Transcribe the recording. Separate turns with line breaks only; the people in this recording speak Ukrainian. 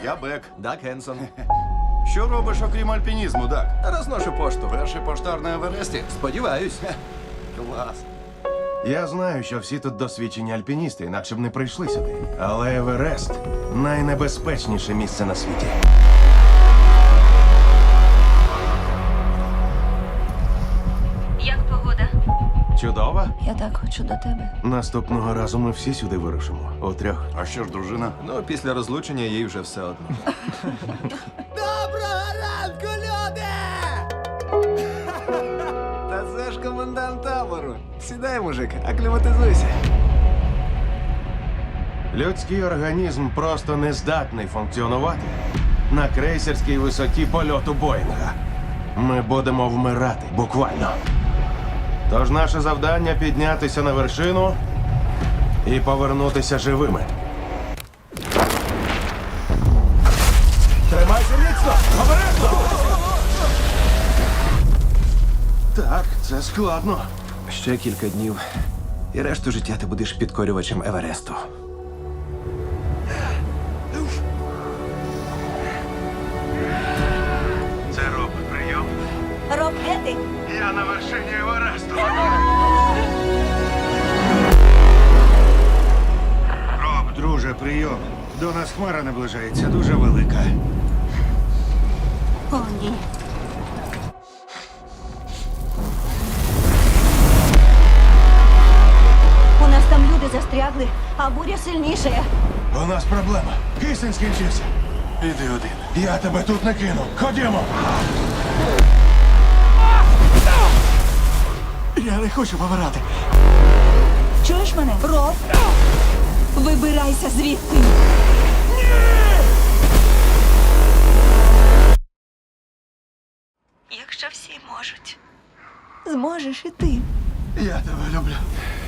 Я Бек.
Дак Хенсон.
Що робиш, окрім альпінізму, Дак?
Розношу пошту.
Перший поштар на Евересті?
Сподіваюсь.
Клас.
Я знаю, що всі тут досвідчені альпіністи, інакше б не прийшли сюди. Але Еверест найнебезпечніше місце на світі.
Як погода?
Чудово.
Я так хочу до тебе.
Наступного разу ми всі сюди вирушимо. Утрьох.
А що ж, дружина?
Ну, після розлучення їй вже все одно.
Доброго ранку, люди! Та це ж комендант табору. Сідай, мужик, акліматизуйся.
Людський організм просто не здатний функціонувати на крейсерській висоті польоту Боїнга. Ми будемо вмирати, буквально. Тож наше завдання піднятися на вершину і повернутися живими. Тримайся міцно! Обережно! Так, це складно.
Ще кілька днів, і решту життя ти будеш підкорювачем Евересту.
Це Роб, прийом.
Роб, де ти?
Я на вершині Евересту.
Роб, друже, прийом. До нас хмара наближається, дуже велика.
О, ні. У нас там люди застрягли, а буря сильніша.
У нас проблема. Кисень скінчився.
Іди один.
Я тебе тут не кину. Ходімо.
Я не хочу помирати.
Чуєш мене? Роб? Вибирайся звідти. Якщо всі можуть, зможеш і ти.
Я тебе люблю.